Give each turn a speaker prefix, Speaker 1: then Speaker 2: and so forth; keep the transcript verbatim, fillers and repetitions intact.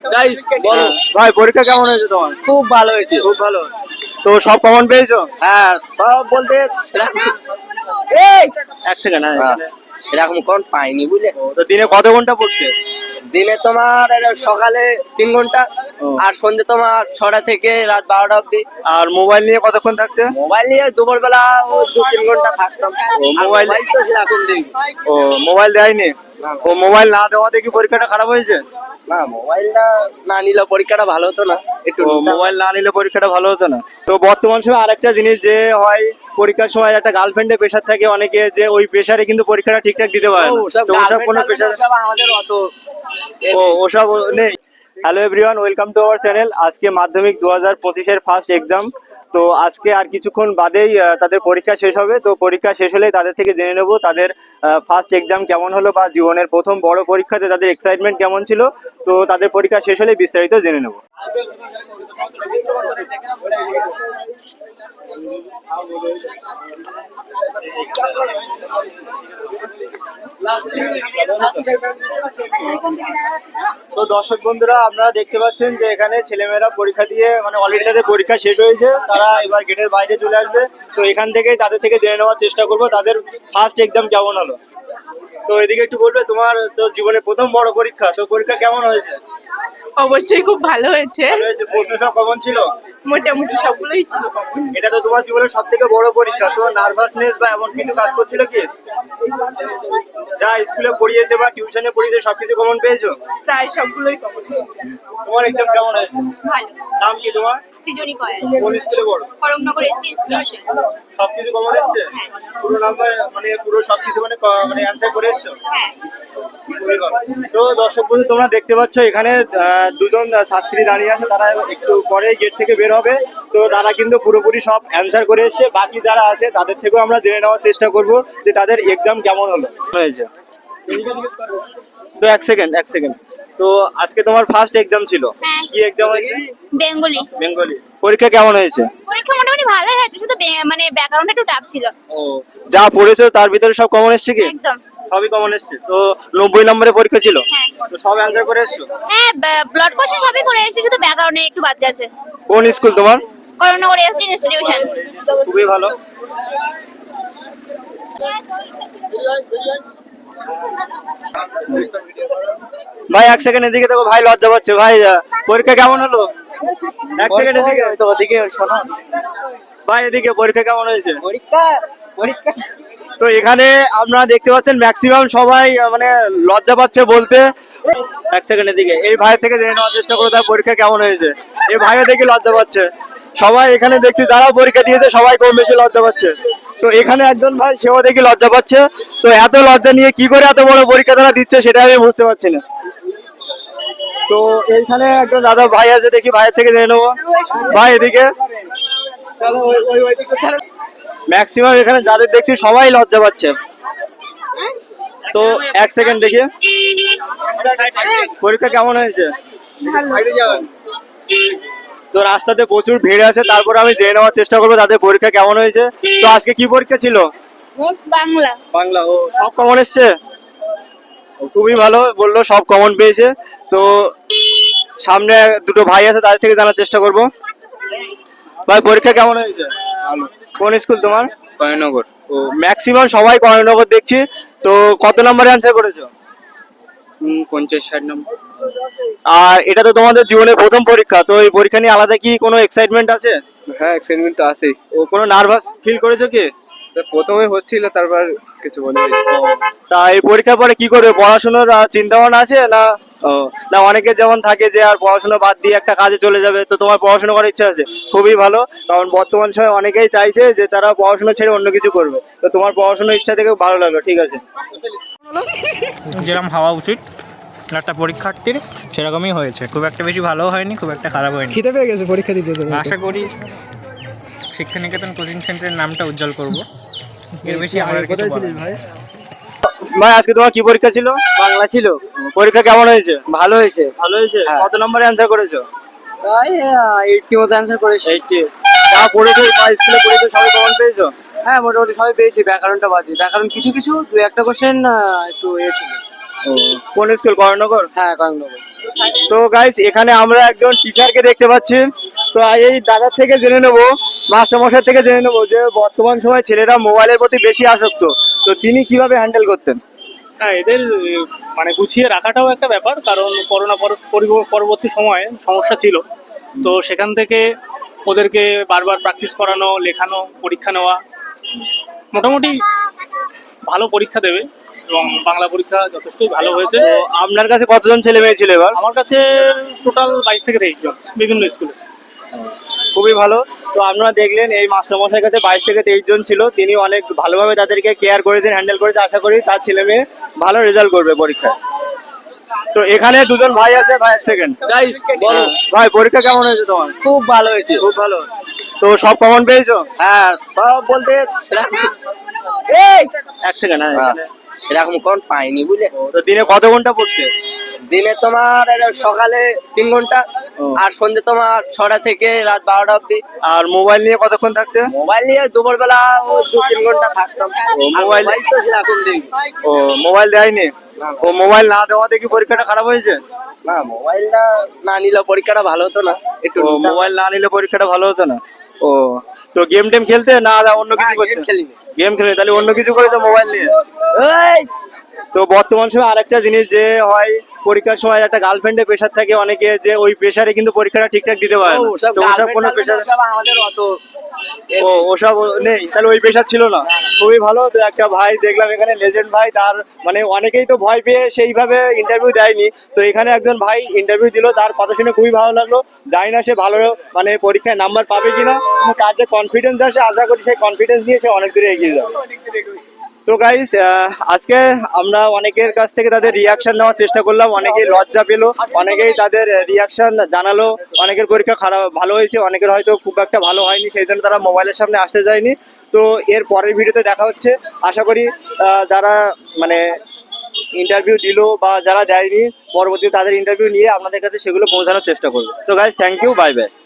Speaker 1: Guys বলো ভাই, পরীক্ষা কেমন হয়েছে তোমার?
Speaker 2: খুব ভালো হয়েছে।
Speaker 1: খুব ভালো। তো সব কমন পেয়েছো?
Speaker 2: হ্যাঁ, সব বলতে সেরকম- এই
Speaker 1: এক সেকেন্ড।
Speaker 2: হ্যাঁ, সেরকম কোন পাইনি বুঝলে।
Speaker 1: তো দিনে কত ঘন্টা পড়তে?
Speaker 2: দিনে তোমার এর সকালে তিন ঘন্টা
Speaker 1: ও।
Speaker 2: আর সন্ধ্যে তোমার ছটা থেকে রাত বারোটা অব্দি।
Speaker 1: আর মোবাইল নিয়ে কতক্ষণ থাকতে?
Speaker 2: মোবাইল নিয়ে দুপুর বেলা ও দু তিন ঘন্টা থাকতাম।
Speaker 1: ও,
Speaker 2: আর
Speaker 1: মোবাইল-
Speaker 2: মোবাইল তো সেরকম দেখি
Speaker 1: ও, মোবাইল দেয়নি?
Speaker 2: না,
Speaker 1: ও, মোবাইল না দেওয়াতে কি পরীক্ষাটা খারাপ হয়েছে?
Speaker 2: না মোবাইলটা না নিলে পরীক্ষাটা ভালো হতো না একটু।
Speaker 1: ও, মোবাইল না নিলে পরীক্ষাটা ভালো হতো না। তো বর্তমান সময় আরেকটা জিনিস যে হয়, পরীক্ষার সময় একটা গার্লফ্রেন্ডের প্রেশার থাকে অনেকে, যে ওই প্রেশারে কিন্তু পরীক্ষাটা ঠিকঠাক দিতে পারে না।
Speaker 2: ওসব
Speaker 1: তো ওসব কোনো প্রেশার?
Speaker 2: আমাদের অত
Speaker 1: ও, ওসব নেই। Hello everyone, welcome to our channel. আজকে মাধ্যমিক দু হাজার পঁচিশের ফার্স্ট এক্সাম। তো আজকে আর কিছুক্ষণ বাদেই আহ, তাদের পরীক্ষা শেষ হবে। তো পরীক্ষা শেষ হলে তাদের থেকে জেনে নেব তাদের ফার্স্ট এক্সাম কেমন হলো, বা জীবনের প্রথম বড় পরীক্ষাতে তাদের এক্সাইটমেন্ট কেমন ছিল। তো তাদের পরীক্ষা শেষ হলে বিস্তারিত জেনে নেব। তো দর্শক বন্ধুরা, আপনারা দেখতে পাচ্ছেন যে এখানে ছেলেমেয়েরা পরীক্ষা দিয়ে মানে অলরেডি তাদের পরীক্ষা শেষ হয়েছে, তারা এবার গেটের বাইরে চলে আসবে। তো এখান থেকেই তাদের থেকে জেনে নেওয়ার চেষ্টা করবো তাদের ফার্স্ট এক্সাম কেমন হলো। তো এদিকে একটু বলবে, তোমার তো জীবনে প্রথম বড় পরীক্ষা, তো পরীক্ষা কেমন হয়েছে?
Speaker 3: অবশ্যই খুব ভালো হয়েছে।
Speaker 1: ভালো হয়েছে? প্রশ্ন সব কেমন ছিল?
Speaker 3: মোটামুটি সবগুলোই ছিল কমন।
Speaker 1: এটা তো তোমার জীবনের সব থেকে বড় পরীক্ষা, তো নার্ভাসনেস বা এমন কিছু কাজ করছিল কি? যা স্কুলে পড়িয়েছে বা টিউশনে পড়িয়েছে সবকিছু কমন পেয়েছো?
Speaker 3: প্রায় সবগুলোই কমন এসেছে।
Speaker 1: তোমার এক্সাম কেমন হয়েছে?
Speaker 4: ভালো।
Speaker 1: নাম কি তোমার?
Speaker 4: সৃজনী কয়েল,
Speaker 1: কোন স্কুলে পড়ো?
Speaker 4: Karamnagar S T institution.
Speaker 1: সবকিছু কমন এসছে?
Speaker 4: হ্যাঁ।
Speaker 1: পুরো নাম্বার মানে পুরো সবকিছু মানে ক- মানে অ্যান্সার করে এসছো?
Speaker 4: হ্যাঁ।
Speaker 1: খুবই ভালো। তো দর্শক বন্ধু, তোমরা দেখতে পাচ্ছ এখানে আহ, দুজন ছাত্রী দাঁড়িয়ে আছে, তারা একটু পরে গেট থেকে বের হবে। তো তারা কিন্তু পুরোপুরি সব অ্যান্সার করে এসছে। বাকি যারা আছে তাদের থেকেও আমরা জেনে নেওয়ার চেষ্টা করব যে তাদের এক্সাম কেমন হলো হয়েছে। তো এক সেকেন্ড এক সেকেন্ড তো আজকে তোমার ফার্স্ট এক্সাম ছিল?
Speaker 4: হ্যাঁ।
Speaker 1: কি এক্সাম হয়েছে?
Speaker 4: বেঙ্গলি।
Speaker 1: বেঙ্গলি। পরীক্ষা কেমন হয়েছে?
Speaker 4: পরীক্ষা মোটামুটি ভালোই হয়েছে, শুধু বে- মানে ব্যাকরণটা একটু টাফ ছিল।
Speaker 1: ও, যা পড়েছো তার ভিতরে সব কমন এসছে কি?
Speaker 4: একদম।
Speaker 1: সবই কমন এসছে। তো নব্বই নম্বরের পরীক্ষা ছিল?
Speaker 4: হ্যাঁ।
Speaker 1: তো সব অ্যান্সার করে এসছো?
Speaker 4: হ্যাঁ, ব্লড কোশ্চেন সবই করে এসেছি, শুধু ব্যাকরণে একটু বাদ গেছে।
Speaker 1: কোন স্কুল তোমার?
Speaker 4: Karamnagar S T institution.
Speaker 1: খুবই ভালো। ভাই এক সেকেন্ড এদিকে দেখো, ভাই লজ্জা পাচ্ছে। ভাই আহ, পরীক্ষা কেমন হলো? এক সেকেন্ড এদিকে
Speaker 2: তো ওদিকে শোনো।
Speaker 1: ভাই, এদিকে পরীক্ষা কেমন হয়েছে?
Speaker 2: পরীক্ষা পরীক্ষা
Speaker 1: তো এখানে আপনারা দেখতে পাচ্ছেন ম্যাক্সিমাম সবাই আহ, মানে লজ্জা পাচ্ছে বলতে। এক সেকেন্ড এদিকে এই ভাই থেকে জেনে নেওয়ার চেষ্টা করো তার পরীক্ষা কেমন হয়েছে। এই ভাইও দেখি লজ্জা পাচ্ছে। সবাই এখানে দেখছি যারা পরীক্ষা দিয়েছে সবাই কম বেশি লজ্জা পাচ্ছে। তো এখানে একজন ভাই, সেও দেখি লজ্জা পাচ্ছে। তো এত লজ্জা নিয়ে কি করে এত বড় পরীক্ষা তারা দিচ্ছে সেটা আমি বুঝতে পারছি না। তো এইখানে একজন দাদা ভাই আছে, দেখি ভাইয়ের থেকে জেনে নেবো। ভাই এদিকে ম্যাক্সিমাম এখানে যাদের দেখছি সবাই লজ্জা পাচ্ছে। তো এক সেকেন্ড দেখি পরীক্ষা কেমন হয়েছে। তো রাস্তাতে প্রচুর ভিড় আছে, তারপর আমি জেনে নেওয়ার চেষ্টা করবো তাদের পরীক্ষা কেমন হয়েছে। তো আজকে কি পরীক্ষা ছিল?
Speaker 4: বাংলা।
Speaker 1: বাংলা। ও, সব কমন এসছে? ও, খুবই ভালো, বললো সব কমন পেয়েছে। তো সামনে দুটো ভাই আছে, তাদের থেকে জানার চেষ্টা করবো। ভাই পরীক্ষা কেমন হয়েছে? কোন স্কুল তোমার?
Speaker 2: কয়নগর।
Speaker 1: ও, ম্যাক্সিমাম সবাই কর্ণনগর দেখছি। তো কত নম্বরে অ্যান্সার করেছো?
Speaker 2: পঞ্চাশ ষাট নম্বর।
Speaker 1: আর এটা তো তোমাদের জীবনের প্রথম পরীক্ষা, তো এই পরীক্ষা নিয়ে আলাদা কি কোনো এক্সাইটমেন্ট আছে?
Speaker 2: হ্যাঁ, এক্সাইটমেন্ট তো আছেই।
Speaker 1: ও, কোনো নার্ভাস ফিল করেছো কি?
Speaker 2: প্রথমে হচ্ছিল, তারপর কিছু মনে হয়।
Speaker 1: তা এই পরীক্ষার পরে কি করবে? পড়াশোনার আহ, চিন্তা ভাবনা আছে না? ও, না অনেকের যেমন থাকে যে আর পড়াশোনা বাদ দিয়ে একটা কাজে চলে যাবে, তো তোমার পড়াশোনা করার ইচ্ছা আছে? খুবই ভালো, কারণ বর্তমান সময়ে অনেকেই চাইছে যে তারা পড়াশোনা ছেড়ে অন্য কিছু করবে। তো তোমার পড়াশোনার ইচ্ছা থেকে ভালো লাগলো, ঠিক আছে।
Speaker 5: যেরকম হওয়া উচিত একটা পরীক্ষার্থীর সেরকমই হয়েছে। খুব একটা বেশি ভালো হয়নি, খুব একটা খারাপ হয়নি।
Speaker 6: খিদে পেয়ে গেছে পরীক্ষা দিতে দিতে।
Speaker 5: আশা করি শিক্ষানিকেতন কোচিং সেন্টারের নামটা উজ্জ্বল করব। এর বেশি আমার আর কিছু বলার নেই।
Speaker 1: ভাই ভাই আজকে তোমার কি পরীক্ষা ছিল?
Speaker 2: বাংলা ছিল।
Speaker 1: পরীক্ষা কেমন হয়েছে?
Speaker 2: ভালো হয়েছে।
Speaker 1: ভালো হয়েছে।
Speaker 2: হ্যাঁ।
Speaker 1: কত নম্বরে অ্যান্সার করেছো?
Speaker 2: প্রায় এইটটি মতো অ্যান্সার করেছি।
Speaker 1: এইটটি। যা পড়েছো বা স্কুলে পড়েছো সবাই কমন পেয়েছো?
Speaker 2: হ্যাঁ, মোটামুটি সবাই পেয়েছি, ব্যাকরণটা বাদ দিয়ে। ব্যাকরণ কিছু কিছু দু একটা কোশ্চেন একটু এ ছিল।
Speaker 1: কোন স্কুল, করণনগর?
Speaker 2: হ্যাঁ কয়েকনগর।
Speaker 1: তো গাইস এখানে আমরা একজন টিচারকে দেখতে পাচ্ছি। তো এই দাদার থেকে জেনে নেব, মাস্টারমশাই থেকে জেনে নেব যে বর্তমান সময় ছেলেরা মোবাইলের প্রতি বেশি আসক্ত, তো তিনি কিভাবে হ্যান্ডেল করতেন?
Speaker 6: হ্যাঁ, এদের আহ, মানে গুছিয়ে রাখাটাও একটা ব্যাপার, কারণ করোনা পর- পরিব- পরবর্তী সময়ে সমস্যা ছিল। তো সেখান থেকে ওদেরকে বারবার প্র্যাকটিস করানো, লেখানো, পরীক্ষা নেওয়া, মোটামুটি ভালো পরীক্ষা দেবে এবং বাংলা পরীক্ষা যথেষ্টই ভালো হয়েছে।
Speaker 1: তো আপনার কাছে কতজন ছেলে মেয়ে ছিল এবার?
Speaker 6: আমার কাছে টোটাল বাইশ থেকে তেইশ জন বিভিন্ন স্কুলে।
Speaker 1: খুবই ভালো। তো আপনারা দেখলেন এই মাস্টারমশাইয়ের কাছে বাইশ থেকে তেইশ জন ছিল, তিনি অনেক ভালোভাবে তাদেরকে কেয়ার করেছেন, হ্যান্ডেল করেছে। আশা করি তার ছেলে মেয়ে ভালো রেজাল্ট করবে পরীক্ষায়। তো এখানে দুজন ভাই আছে, ভাই এক সেকেন্ড।
Speaker 2: গাইস বলো।
Speaker 1: ভাই পরীক্ষা কেমন হয়েছে তোমার?
Speaker 2: খুব ভালো হয়েছে।
Speaker 1: খুব ভালো। তো সব কমন পেয়েছো?
Speaker 2: হ্যাঁ সব বলতে সেরকম- এই
Speaker 1: এক সেকেন্ড। হ্যাঁ
Speaker 2: হ্যাঁ, সেরকম কোন পাইনি বুঝলে।
Speaker 1: তো দিনে কত ঘন্টা পড়তে?
Speaker 2: দিনে তোমার এর সকালে তিন ঘন্টা
Speaker 1: ও।
Speaker 2: আর সন্ধ্যে তোমার ছটা থেকে রাত বারোটা অব্দি।
Speaker 1: আর মোবাইল নিয়ে কতক্ষণ থাকতে?
Speaker 2: মোবাইল নিয়ে দুপুর বেলা ও দু তিন ঘন্টা থাকতাম।
Speaker 1: ও,
Speaker 2: আর
Speaker 1: মোবাইল-
Speaker 2: মোবাইল তো সেরকম দেখি
Speaker 1: ও মোবাইল দেয়নি?
Speaker 2: না,
Speaker 1: ও মোবাইল না দেওয়াতে কি পরীক্ষাটা খারাপ হয়েছে?
Speaker 2: না মোবাইলটা না নিলে পরীক্ষাটা ভালো হতো না একটু।
Speaker 1: ও মোবাইল না নিলে পরীক্ষাটা ভালো হতো না। ও তো গেম টেম খেলতে না অন্য কিছু করতে?
Speaker 2: খেলিনি।
Speaker 1: গেম খেলে তাহলে অন্য কিছু করেছো মোবাইল নিয়ে?
Speaker 2: এই
Speaker 1: তো বর্তমান সময় আরেকটা জিনিস যে হয়, পরীক্ষার সময় একটা গার্লফ্রেন্ডের প্রেশার থাকে অনেকে, যে ওই প্রেশারে কিন্তু পরীক্ষাটা ঠিকঠাক দিতে পারে না।
Speaker 2: ওসব
Speaker 1: তো ওসব কোনো প্রেশার,
Speaker 2: সব আমাদের অত
Speaker 1: ও ওসব নেই, তাহলে ওই প্রেশার ছিল না। খুবই ভালো। তো একটা ভাই দেখলাম এখানে লেজেন্ড ভাই, তার মানে অনেকেই তো ভয় পেয়ে সেইভাবে ইন্টারভিউ দেয়নি, তো এখানে একজন ভাই ইন্টারভিউ দিল, তার কথা শুনে খুবই ভালো লাগলো। জানি না সে ভালো মানে পরীক্ষায় নাম্বার পাবে কিনা, কিন্তু তার যে কনফিডেন্স আছে, আশা করি সেই কনফিডেন্স নিয়ে সে অনেক দূরে এগিয়ে যাবে। তো গাইস আজকে আমরা অনেকের কাছ থেকে তাদের রিয়াকশন নেওয়ার চেষ্টা করলাম, অনেকেই লজ্জা পেলো, অনেকেই তাদের রিয়াকশন জানালো। অনেকের পরীক্ষা খারাপ ভালো হয়েছে, অনেকের হয়তো খুব একটা ভালো হয়নি, সেই জন্য তারা মোবাইলের সামনে আসতে যায়নি। তো এর পরের ভিডিওতে দেখা হচ্ছে। আশা করি আহ, যারা মানে ইন্টারভিউ দিল বা যারা দেয়নি, পরবর্তীতে তাদের ইন্টারভিউ নিয়ে আপনাদের কাছে সেগুলো পৌঁছানোর চেষ্টা করবো। তো guys thank you, bye by.